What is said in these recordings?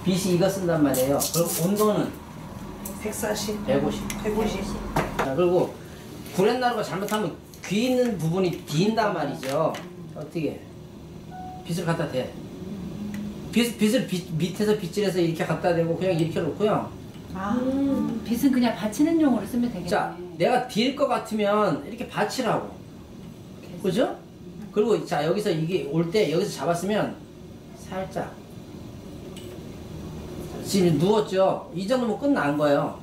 빛이 이거 쓴단 말이에요. 그럼 온도는 140, 150. 150. 자, 그리고 구렛나루가 잘못하면 귀 있는 부분이 빈단 말이죠. 어떻게 빛을 갖다 대. 빛을 밑에서 빗질해서 이렇게 갖다 대고 그냥 이렇게 놓고요. 빛은 그냥 받치는 용으로 쓰면 되겠네. 자, 내가 딜 것 같으면 이렇게 받치라고. 그죠? 그리고 자, 여기서 이게 올 때 여기서 잡았으면 살짝. 지금 누웠죠? 이 정도면 끝난 거예요.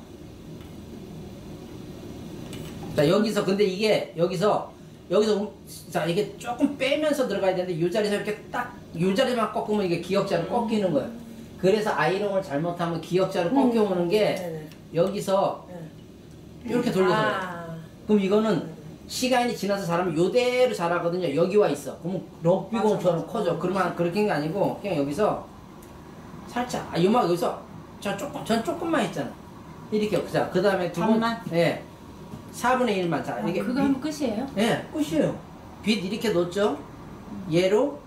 자, 여기서 근데 이게 여기서 자, 이게 조금 빼면서 들어가야 되는데 이 자리에서 이렇게 딱 이 자리만 꺾으면 이게 기역자로 꺾이는 거예요. 그래서 아이롱을 잘못하면 기역자로 꺾여오는 게 여기서 이렇게 돌려서 그럼 이거는 시간이 지나서 자라면 요대로 자라거든요. 여기 와 있어. 그러면 럭비공처럼 커져. 그러면 그렇게 한 게 아니고 그냥 여기서 살짝 요만 여기서 전 조금만 했잖아. 이렇게. 자, 그 다음에 두 번. 예. 4분의 1만. 자, 이게 그거 하면 끝이에요? 예, 끝이에요. 빛 이렇게 놓죠. 얘로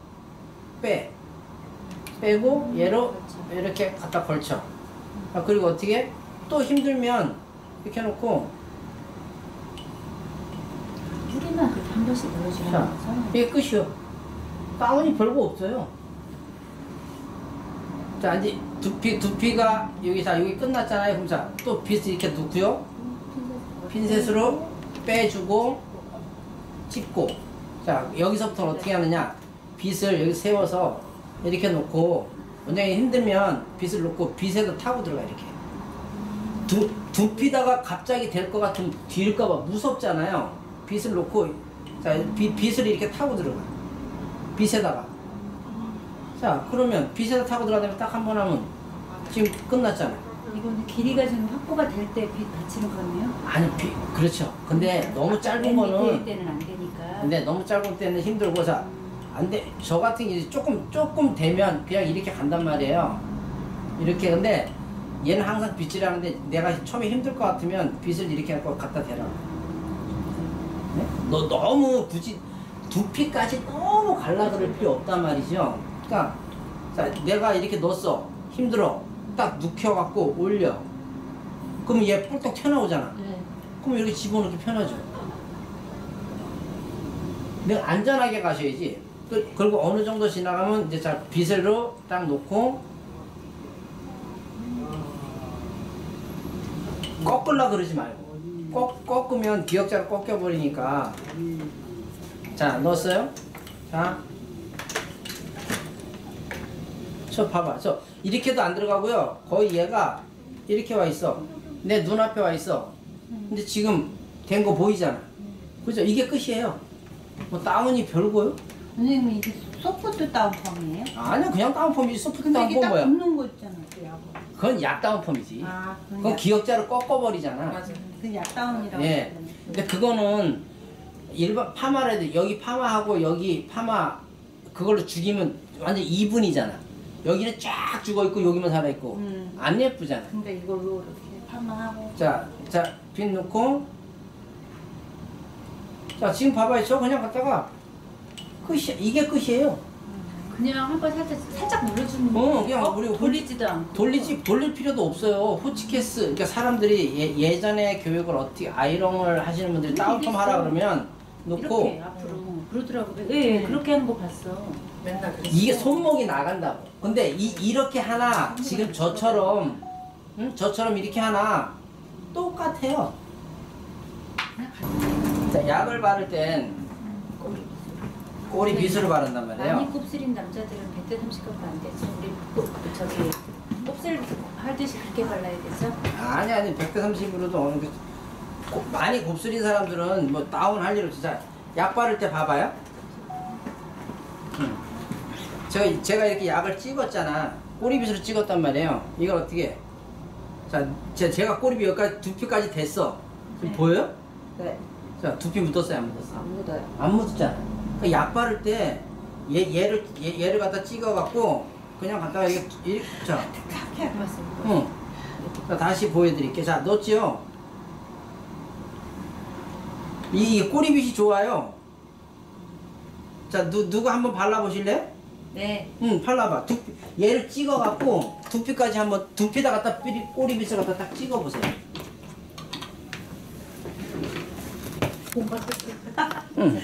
빼고 얘로 이렇게 갖다 걸쳐. 아, 그리고 어떻게 또 힘들면 이렇게 해놓고 뿌리만 그렇게 한 번씩 눌러주면 자, 이게 끝이요. 다운이 별거 없어요. 자, 이제 두피가 여기 끝났잖아요. 그럼 자, 또 빛을 이렇게 놓고요. 핀셋으로 빼주고 찝고. 자, 여기서부터 어떻게 하느냐. 빛을 여기 세워서 이렇게 놓고 원장이 힘들면 빛을 놓고 빛에도 타고 들어가. 이렇게 두피다가 갑자기 될 것 같으면 뒤일까봐 무섭잖아요. 빛을 놓고 자, 빛을 이렇게 타고 들어가. 빛에다가. 자, 그러면 빛에다 타고 들어가면 딱 한 번 하면 지금 끝났잖아. 이거는 길이가 좀 확보가 될 때 빛 받치는 거네요? 아니, 그렇죠. 근데 너무 짧은 거는 때는 안 되니까. 근데 너무 짧은 때는 힘들고. 자, 안 돼. 저 같은 게 조금 되면 그냥 이렇게 간단 말이에요. 이렇게. 근데 얘는 항상 빗질 하는데 내가 처음에 힘들 것 같으면 빗을 이렇게 갖고 갖다 대라. 네? 너 너무 굳이 두피까지 너무 갈라 그럴 필요 없단 말이죠. 그러니까 자, 내가 이렇게 넣었어. 힘들어. 딱 눕혀갖고 올려. 그럼 얘 뿔떡 튀어나오잖아. 네. 그럼 이렇게 집어넣기 편하죠. 내가 안전하게 가셔야지. 그리고 어느 정도 지나가면 이제 자, 빗으로 딱 놓고 꺾으려 그러지 말고. 꺾으면 기역자로 꺾여버리니까. 자, 넣었어요? 자, 저 봐봐. 저 이렇게도 안 들어가고요. 거의 얘가 이렇게 와 있어. 내 눈앞에 와 있어. 근데 지금 된 거 보이잖아. 그죠? 이게 끝이에요. 뭐 다운이 별거요? 선생님 이게 소프트 다운펌이에요? 아니요, 그냥 다운펌이지. 소프트 근데 이게 다운펌 딱 뭐야? 붙는 거 있잖아, 그 약은. 그건 약 다운펌이지. 아, 그건 기역자로 꺾어버리잖아. 맞아. 그 약다운이라고. 예. 근데 그거는 일반 파마라도 여기 파마하고 여기 파마 그걸로 죽이면 완전 2분이잖아. 여기는 쫙 죽어있고 여기만 살아있고 안 예쁘잖아. 근데 이걸로 이렇게 파마하고. 자, 빗 넣고. 자, 지금 봐봐요. 저 그냥 갖다가 끝이야. 이게 끝이에요. 그냥 한번 살짝 눌러주는 그냥 우리 돌리지도 않고. 돌릴 필요도 없어요. 호치케스. 그러니까 사람들이 예전에 교육을 어떻게 아이롱을 하시는 분들이 다운펌 하라 그러면 놓고 이렇게 앞으로 그러더라고요. 예, 그렇게 하는 거 봤어. 맨날 그랬어. 이게 손목이 나간다고. 근데 이렇게 하나 지금 저처럼 저처럼 이렇게 하나 똑같아요. 자, 약을 바를 땐 꼬리 빗으로 바른단 말이에요. 많이 곱슬인 남자들은 100대 30값도 안 되지. 우리 저기 곱슬 하듯이 그렇게 발라야 되죠? 아니 100대 30으로도 어느 게 많이 곱슬인 사람들은 뭐 다운 할 일 없지. 자, 약 바를 때 봐봐요. 제가 이렇게 약을 찍었잖아. 꼬리빗으로 찍었단 말이에요. 이걸 어떻게 해? 자, 제가 꼬리빗 여기까지 두피까지 됐어. 지금 네. 보여요? 네. 자, 두피 묻었어요, 안 묻었어? 안 묻어요. 안 묻었잖아. 그러니까 약 바를 때 얘를 갖다 찍어갖고 그냥 갖다가 이렇게 자, 그렇게 안 봤어. 응. 자, 다시 보여드릴게요. 자, 넣었지요? 이 꼬리빗이 좋아요. 자, 누가 한번 발라보실래요? 네. 응, 발라봐. 얘를 찍어갖고 두피까지 한번 두피다 갖다 꼬리빗을 갖다 딱 찍어보세요. 응.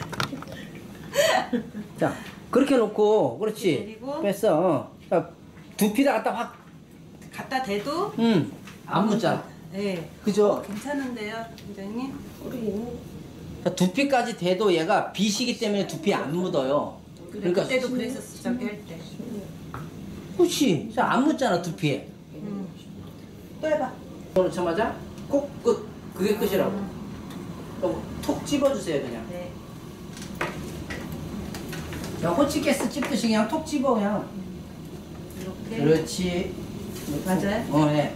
자, 그렇게 놓고, 그렇지. 그리고? 뺐어. 자, 두피다 갖다 확, 갖다 대도 응, 안 묻잖아. 네. 그죠? 괜찮은데요, 원장님? 우리 자, 두피까지 대도 얘가 빗이기 때문에 두피 안 묻어요. 그러니까 그때도 그랬었어, 저기 할 때. 그렇지. 자, 안 묻잖아, 두피에. 또 해봐. 이거 놓자마자 꼭 끝. 그게 끝이라고. 그럼 톡 집어주세요, 그냥. 네. 그냥 호치케스 찝듯이 그냥 톡 집어, 그냥. 이렇게. 그렇지. 맞아요? 네.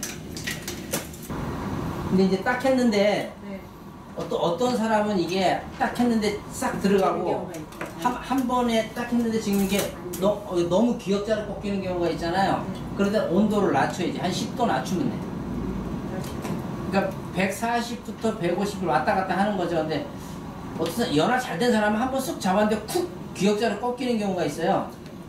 근데 이제 딱 했는데, 네. 어떤 사람은 이게 딱 했는데 싹 들어가고, 한 번에 딱 했는데 지금 이게 너무 기역자로 꺾이는 경우가 있잖아요. 그러다 온도를 낮춰야지. 한 10도 낮추면 돼. 그러니까 140부터 150을 왔다 갔다 하는 거죠. 근데 어떤 연화 잘 된 사람은 한 번 쑥 잡았는데 쿡 기역자로 꺾이는 경우가 있어요.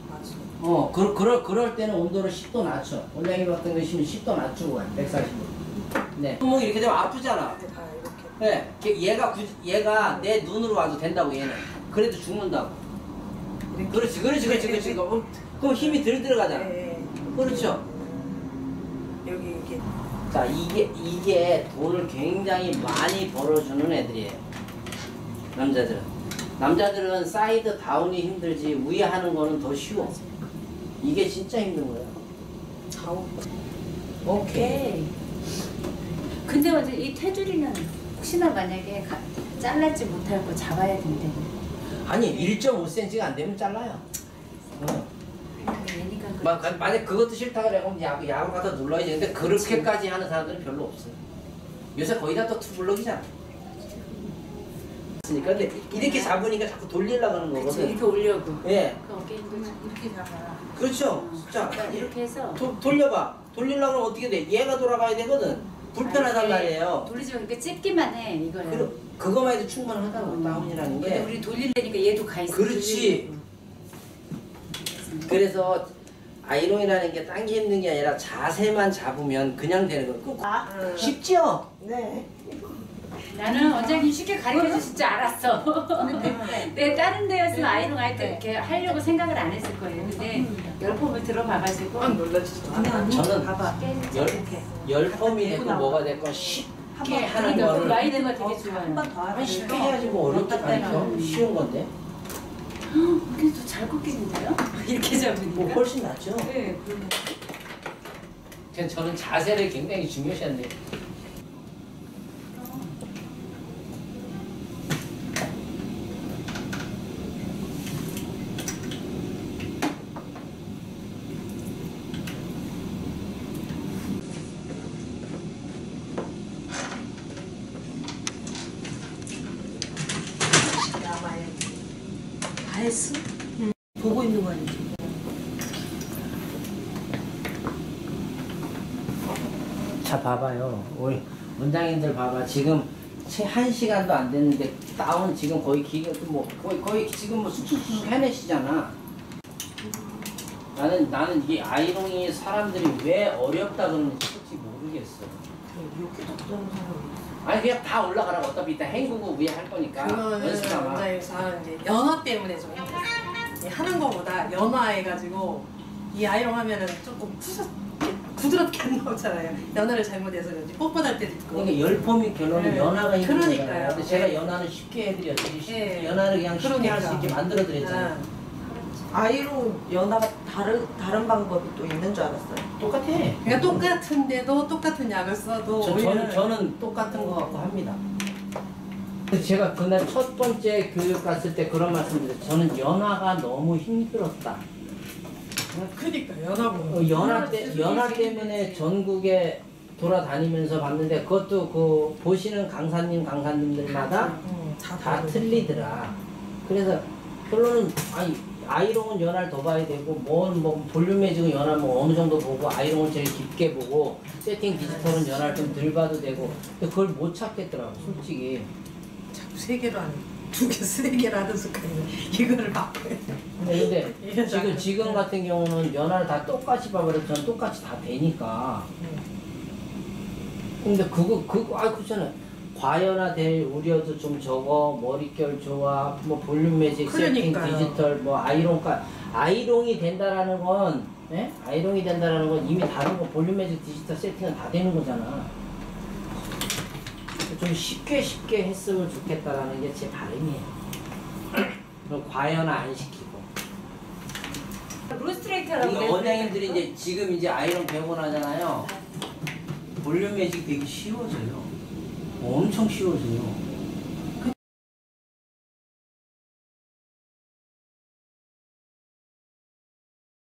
그럴 때는 온도를 10도 낮춰. 원장님 같은 경우는 10도 낮추고 가요. 140도. 네. 손목이 이렇게 되면 아프잖아. 다 이렇게. 네. 얘가 내 눈으로 와도 된다고 얘는. 그래도 죽는다고. 그렇지. 그럼 힘이 덜 들어가잖아. 네. 그렇죠. 여기 이렇게. 자, 이게 돈을 굉장히 많이 벌어주는 애들이에요. 남자들은 사이드 다운이 힘들지 위에 하는 거는 더 쉬워. 이게 진짜 힘든 거예요. 좌우. 오케이. 근데 어제 이 테두리는 혹시나 만약에 잘라지 못할 거 잡아야 된대. 아니 1.5cm가 안 되면 잘라요. 얘니까 만약 그것도 싫다 그래 그럼 야구 갖다 눌러야지. 근데 그렇게까지 하는 사람들은 별로 없어요. 요새 거의 다 또 투블럭이잖아. 근데 이렇게 잡으니까 자꾸 돌리려고 하는 거거든. 이렇게 올려고. 예. 그 어깨 힘들면 이렇게 잡아. 그렇죠. 자, 그러니까 이렇게 해서 돌려봐. 돌리려고 하면 어떻게 돼? 얘가 돌아가야 되거든. 불편하단 말이에요. 돌리지 마. 그러니까 찝기만 해 이거야. 그거만 해도 충분하다고 다운이라는 근데 게. 우리 돌리려니까 얘도 가 있어. 그렇지. 그래서 아이롱이라는 게 당기 힘든 게 아니라 자세만 잡으면 그냥 되는 거예요. 쉽죠? 네. 나는 원장님 쉽게 가르쳐 주실 줄 알았어. 내 다른 데였으면 아이롱 할 때 이렇게 하려고 생각을 안 했을 거예요. 근데 열폼을 들어봐가지고 놀라지도 저는 봐봐. 열 펌이 됐고 뭐가 됐건 쉽게 하는 그러니까 거를 라이드가 되게 좋아요. 한번 더 하자. 쉽게 해야지 뭐 어렵게 가르쳐. 쉬운 건데. 그래도 잘 꺾이는데요? 이렇게 잡으니까. 뭐 훨씬 낫죠. 네, 그러면. 저는 자세를 굉장히 중요시한데. 다 했어? 보고 있는 거 아니지? 자, 봐봐요. 우리 원장님들 봐봐. 지금 채 1시간도 안 됐는데 다운 지금 거의 뭐 거의 지금 뭐 쑥쑥쑥 해내시잖아. 나는 이게 아이롱이 사람들이 왜 어렵다 그러는지 솔직히 모르겠어. 이렇게도 그런 사람이 아니 그냥 다 올라가라고. 어차피 이따 헹구고 위에 할 거니까 그거는 연습하마. 원장님상 이제 연화 때문에 좀 힘들어요. 이 하는 거보다 연화해가지고 이 아이롱 하면은 조금 부드럽게 안 나오잖아요. 연화를 잘못해서 그런지 뻣뻣할 때도 있고. 그러니까 열폼이 결론은 네. 연화가 있는 거잖아요. 그러니까요. 근데 제가 네. 연화는 쉽게 해드렸어요. 네. 연화를 그냥 쉽게 할 수 그러니까. 있게 만들어 드렸잖아요. 아이롱 연화가 다른 방법이 또 있는 줄 알았어요. 똑같아. 그러니까 똑같은데도 똑같은 약을 써도 저는 똑같은 거 갖고 합니다. 그래서 제가 그날 첫 번째 교육 갔을 때 그런 말씀 드렸어요. 저는 연화가 너무 힘들었다. 그니까 연화고 연화 때문에 전국에 돌아다니면서 봤는데 그것도 그 보시는 강사님들마다 다 틀리더라. 그래서 결론은 아이롱은 연화를 더 봐야 되고 뭐 볼륨에 지금 연화 뭐 어느 정도 보고 아이롱을 제일 깊게 보고 세팅 디지털은 연화를 좀 덜 봐도 되고 근데 그걸 못 찾겠더라고 솔직히. 자꾸 3개로 하는 2개, 3개를 하던 습관이 이거를 바꿔야 돼. 근데 지금 같은 경우는 연화를 다 똑같이 봐버려도 전 똑같이 다 되니까. 근데 그렇잖아요. 과연화될 우려도 좀 적어, 머릿결 좋아, 뭐 볼륨 매직, 세팅, 그러니까요. 디지털, 뭐 아이롱이 된다라는 건, 예? 아이롱이 된다라는 건 이미 다른 거 볼륨 매직, 디지털 세팅은 다 되는 거잖아. 좀 쉽게 했으면 좋겠다라는 게 제 바람이에요. 그럼 과연화 안 시키고. 루스트레이트라고 이 원장님들이 이제 지금 이제 아이롱 배우고 나잖아요. 볼륨 매직 되게 쉬워져요. 엄청 쉬워져요.